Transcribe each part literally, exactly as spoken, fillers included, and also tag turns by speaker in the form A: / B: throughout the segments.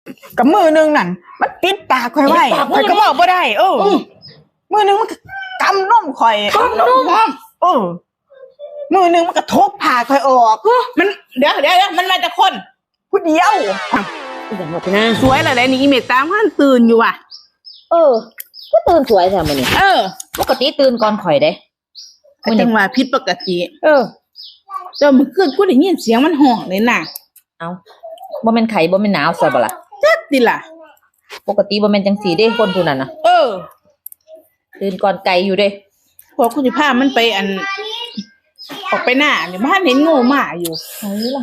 A: กับมือนึงนั่นมันปิดปากข่อยไว้ข่อยก็บอกบ่ได้เออมือนึงมันกำนมข่อยกำนมเออมือนึงมันก็ทบผ่าข่อยออก
B: มันเดี๋ยวเดี๋ยวมันมาจากคน
A: ผู้เดียว
C: อย่างว่าไปนะ
B: สวยอะไรนี่อีเมตตามท่านตื่นอยู่ว่ะ
C: เออก็ตื่นสวยแท้มื้อนี้
B: เออ
C: ปกติตื่นก่อนข่อยเด้
B: มื้อนี้ว่าผิดปกติ
C: เออ
B: แต่เมื่อคืนกูได้ยินเสียงมันห้องเลยน่ะ
C: เอ้าบ่แม่นไข้บ่แม่นหนาวซะบ่ล่ะ
B: จักติล่ะ
C: ปกติบ่แม่นจังซี่เด้คนผู้นั้นน่ะ
B: เออ
C: ตื่นก่อนไกลอยู่เด้
B: พวกคุณสิพามันไปอันออกไปหน้าเนี่ยบ้านเห็นงูหมาอยู่
C: ไสล่ะ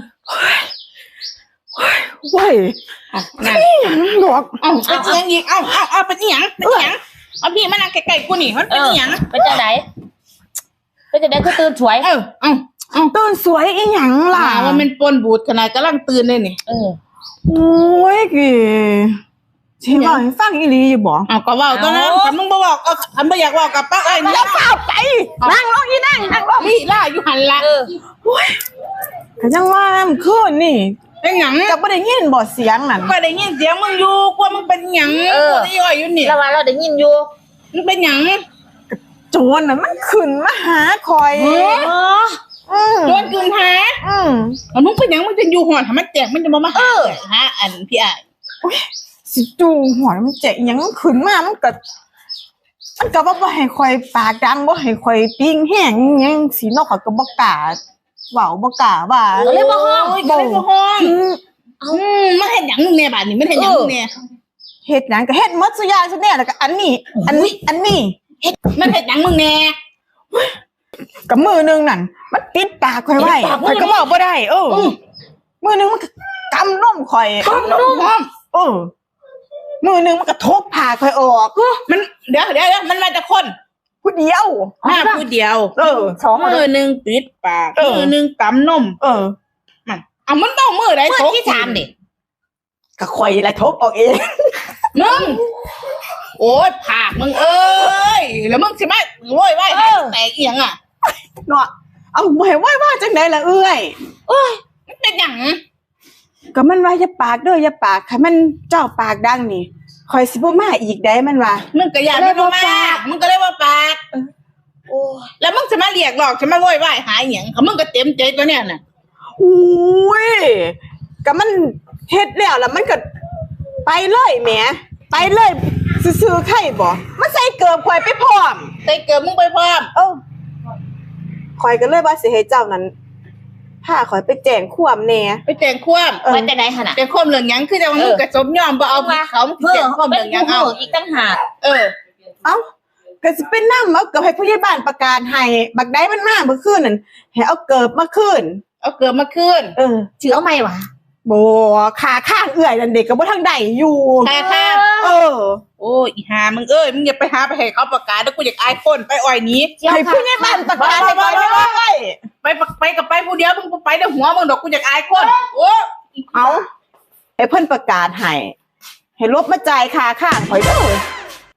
A: เว้ย
B: อ่ะนั่น
A: หลอก
B: เอ้าไปเอียงอีกเอ้าเอ้าเอ้าไปอีหยังไปอีหยังเอาพี่มานั่งใกล้ๆกูนี่มันเป็นอีหยัง
C: เป็นจังได๋เป็นจังได๋คือตื่นสวย
B: เออเอ้าเอ้า
A: ตื่นสวยอีหยังล่ะ
B: ว่ามันปนบูดขนาดกำลังตื่นเลยนี่
C: เออ
A: โอ้ยกี่สิบ่ให้ฟังอีหลีอยู่บ่
B: เอ้าก็เว้าตอนนั้นคันมึงบ่เว้าก็คันบ่อยากเว้ากับป้าไอ้
A: อย่าเฝ้าไปนั่งลงอีนั่งนั่งลง
B: นี่ล่ะอยู่หั่นล่ะเออ
A: โอ้ยก็จังว่ามันคืนนี่
B: เป็นหยัง
A: ก็บ่ได้ยินบ่เสียงนั่น
B: ก็ได้ยินเสียงมึงอยู่กว่ามึงเป็นหยังกูได้ย่อยอยู่นี่
C: แล้วว่าเราได้ยินอยู่
B: มึงเป็นหยัง
A: โจรน่ะมันขึ้นมาหาคอย
B: อ๋อโดนคืนหา
A: อืม
B: แล้วมึงเป็นหยังมึงจะอยู่หอดทำไมแจกมันจะมามาหาฮะอันพี่อ่ะ
A: สิจูหัวมันแจกหยังขึ้นมามันก็มันก็ว่าบ่ให้คอยปากดังบ่ให้คอยปิ้งแห้งหยังสินอกก็บ่กล้าเว้าบ่กล้าว่า
B: ก็เลยบ่ฮ้องก็เลยบ่ฮ้องอืมมันเฮ็ดหยังมึงแน่บาดนี้มันเฮ็ดหยังมึงแน่
A: เฮ็ดหยังก็เฮ็ดหมดซุอย่างซุแน่แล้วก็อันนี้อันนี้อันนี้
B: เฮ็ดมันเฮ็ดหยังมึงแน่
A: กับมือนึงนั่นมันปิดปากข่อยไว้ข่อยก็บอกบ่ได้เออมือนึงมันกำนมข่อย
B: กำนม
A: เออมือนึงมันก็ทบผ่าข่อยออก
B: มันเดี๋ยวเดี๋ยวมันมาจากคน
A: ผู้เดียว
B: มาผู้เดียว
A: เออ
B: สองมือนึงปิดปากมือนึงกำนม
A: เออ
B: มันเอามันต้องมือใด
C: ทบที่ถามดิ
A: ก็ข่อยแหละทบออกเอง
B: มึงโอ๊ยผากมึงเอ้ยแล้วมึงสิมาโว้ยว้ายแตกเอียงอ่ะ
A: เนาะเอาบ่ให้ว่าว่าจังได๋ล่ะเอ้ย
B: โอ้ยมันเป็นหยัง
A: ก็มันว่าอย่าปากเด้ออย่าปากให้มันเจ้าปากดังนี่ข่อยสิบ่มาอีกได้มันว่า
B: มึงก็อย่าเลยบ่ปากมึงก็เลยบ่ปากโอ้แล้วมึงสิมาเรียกหลอกสิมาโวยวายหาหยังเขามึงก็เต็มใจตัวเนี้ยน่ะ
A: อุ้ยก็มันเฮ็ดแล้วแล้วมันก็ไปเลยแหมไปเลยซื่อๆไข่บ่มันใส่เกือบข่อยไปพร้อม
B: ใส่เกือบมึงไปพร้อม
A: เออข่อยก็เลยว่าสิให้เจ้านั้นพาข่อยไปแจ้งความแหน่
B: ไปแจ้งความ
C: ไปจังได๋หั่นน่ะ
B: แจ้งความเรื่องหยังคือจะว่ามึงก็สมยอมบ่เอาเขามึงแจ้งความเรื่องหยังเอา
C: อีกต่างหาก
B: เออ
A: เอ้าก็สิเป็นนำเอาเกือบให้ผู้ใหญ่บ้านประกาศให้บักใดมันมาเมื่อคืนนั่นให้เอาเกือบมาคืน
B: เอาเกือบมาคืน
A: เออ
C: ชื่อเอาใหม่วะ
A: บ่ขาข้างเอื้อยนั่นเด็กก็บ่ทางใดอยู่
B: ขาข้าง
A: เออ
B: โอ้ยอีห่ามึงเอ้ยมึงอย่าไปหาไปให้เขาประกาศแล้วกูอยากอายคนไปอ้อยนี้
A: ให้ผู้ใหญ่บ้านประกาศให้ก่อนได้
B: ไปไปกับไปผู้เดียวมึงไปได้หัวมึงดอกกูอยากอายคนโอ้
A: เอาให้เพิ่นประกาศให้ให้ลบมาจ่ายค่าข้างข่อยเด้อ